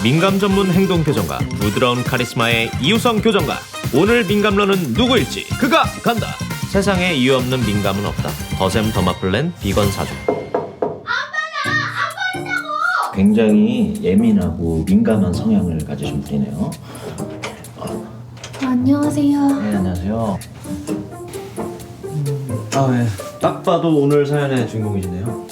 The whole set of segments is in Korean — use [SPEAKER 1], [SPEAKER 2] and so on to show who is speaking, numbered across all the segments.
[SPEAKER 1] 민감 전문 행동 교정가, 부드러운 카리스마의 이유성 교정가. 오늘 민감러는 누구일지 그가 간다. 세상에 이유 없는 민감은 없다. 더샘 더마플랜 비건 4종.
[SPEAKER 2] 굉장히 예민하고 민감한 성향을 가지신 분이네요.
[SPEAKER 3] 안녕하세요.
[SPEAKER 2] 네, 안녕하세요. 네. 딱 봐도 오늘 사연의 주인공이시네요.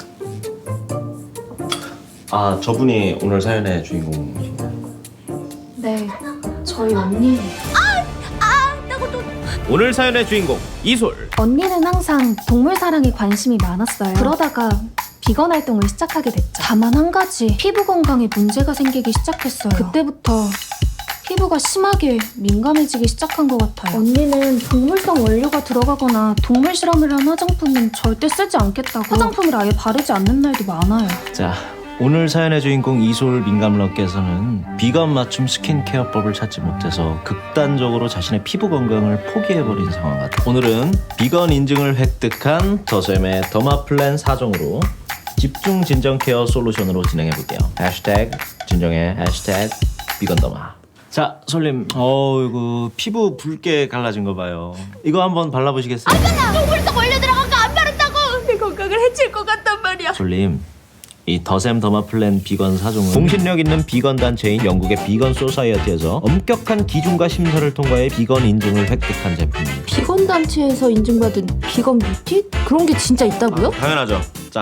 [SPEAKER 2] 저분이 오늘 사연의 주인공이신가요?
[SPEAKER 3] 네, 저희 언니.
[SPEAKER 1] 오늘 사연의 주인공 이솔.
[SPEAKER 3] 언니는 항상 동물 사랑에 관심이 많았어요. 그러다가 비건 활동을 시작하게 됐죠. 다만 한 가지, 피부 건강에 문제가 생기기 시작했어요. 그때부터 피부가 심하게 민감해지기 시작한 것 같아요. 언니는 동물성 원료가 들어가거나 동물 실험을 한 화장품은 절대 쓰지 않겠다고 화장품을 아예 바르지 않는 날도 많아요.
[SPEAKER 2] 자, 오늘 사연의 주인공 이솔 민감러께서는 비건 맞춤 스킨케어법을 찾지 못해서 극단적으로 자신의 피부 건강을 포기해버린 상황 같아요. 오늘은 비건 인증을 획득한 더샘의 더마플랜 4종으로 집중 진정 케어 솔루션으로 진행해볼게요. 해시태그 진정해, 해시태그 비건더마. 자, 솔님, 이거 피부 붉게 갈라진 거 봐요. 이거 한번 발라보시겠어요?
[SPEAKER 4] 동물성 원료 들어간 거 안 바른다고! 내 건강을 해칠 것 같단 말이야.
[SPEAKER 2] 솔님, 이 더샘 더마플랜 비건 4종은 공신력 있는 비건 단체인 영국의 비건 소사이어티에서 엄격한 기준과 심사를 통과해 비건 인증을 획득한 제품입니다.
[SPEAKER 4] 비건 단체에서 인증받은 비건 뷰티? 그런 게 진짜 있다고요?
[SPEAKER 2] 당연하죠. 자,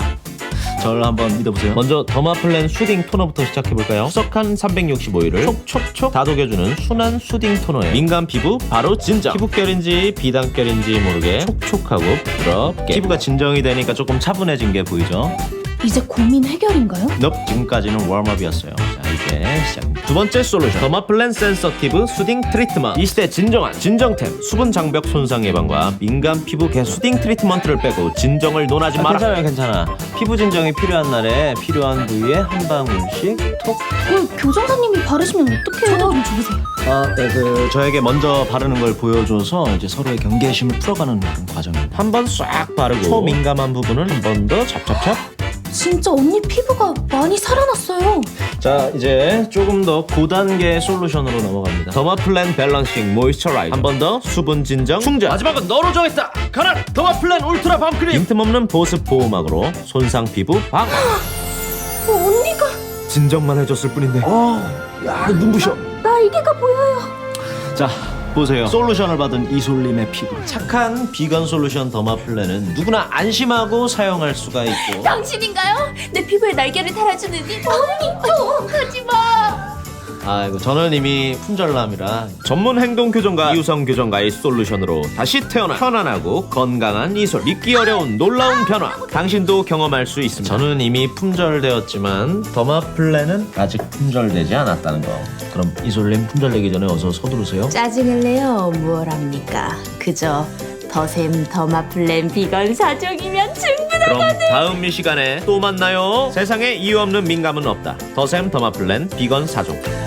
[SPEAKER 2] 저를 한번 믿어보세요. 먼저 더마플랜 수딩 토너부터 시작해볼까요? 수석한 365일을 촉촉촉 다독여주는 순한 수딩 토너예요. 민감 피부 바로 진정. 피부결인지 비단결인지 모르게 촉촉하고 부드럽게 피부가 진정이 되니까 조금 차분해진 게 보이죠?
[SPEAKER 3] 이제 고민 해결인가요?
[SPEAKER 2] 지금까지는 웜업이었어요. 자, 이제 시작입니다. 두 번째 솔루션, 더마플랜 센서티브 수딩 트리트먼트. 이 시대 진정한 진정템. 수분 장벽 손상 예방과 민감 피부 개선. 수딩 트리트먼트를 빼고 진정을 논하지 마라. 괜찮아. 피부 진정이 필요한 날에 필요한 부위에 한 방울씩 톡.
[SPEAKER 3] 교정사님이 바르시면 어떡해요? 저도 좀 줘보세요.
[SPEAKER 2] 네, 저에게 먼저 바르는 걸 보여줘서 이제 서로의 경계심을 풀어가는 그런 과정입니다. 한 번 싹 바르고 초민감한 부분은 한 번 더 찹찹찹.
[SPEAKER 3] 진짜 언니 피부가 많이 살아났어요.
[SPEAKER 2] 자, 이제 조금 더 고단계 솔루션으로 넘어갑니다. 더마플랜 밸런싱 모이스처라이저. 한 번 더 수분 진정 충전. 마지막은 너로 정했다. 가라. 더마플랜 울트라 밤크림. 빈틈없는 보습 보호막으로 손상 피부 방어.
[SPEAKER 3] 언니가
[SPEAKER 2] 진정만 해줬을 뿐인데. 야, 눈부셔.
[SPEAKER 3] 날개가 보여요.
[SPEAKER 2] 자, 보세요. 솔루션을 받은 이솔님의 피부. 착한 비건 솔루션 더마플랜은 누구나 안심하고 사용할 수가 있고.
[SPEAKER 4] 당신인가요? 내 피부에 날개를 달아주는 이 언니 좀 하지 마.
[SPEAKER 2] 아이고, 저는 이미 품절남이라.
[SPEAKER 1] 전문 행동 교정가 이유성 교정가의 솔루션으로 다시 태어나 편안하고 건강한 이솔. 믿기 어려운 놀라운 변화. 당신도 경험할 수 있습니다.
[SPEAKER 2] 저는 이미 품절되었지만 더마플랜은 아직 품절되지 않았다는 거. 그럼 이솔님 품절되기 전에 어서 서두르세요.
[SPEAKER 4] 짜증을 내요. 뭘 합니까? 그저 더샘 더마플랜 비건 4종이면 충분하다.
[SPEAKER 1] 그럼 다음 이 시간에 또 만나요. 세상에 이유 없는 민감은 없다. 더샘 더마플랜 비건 4종.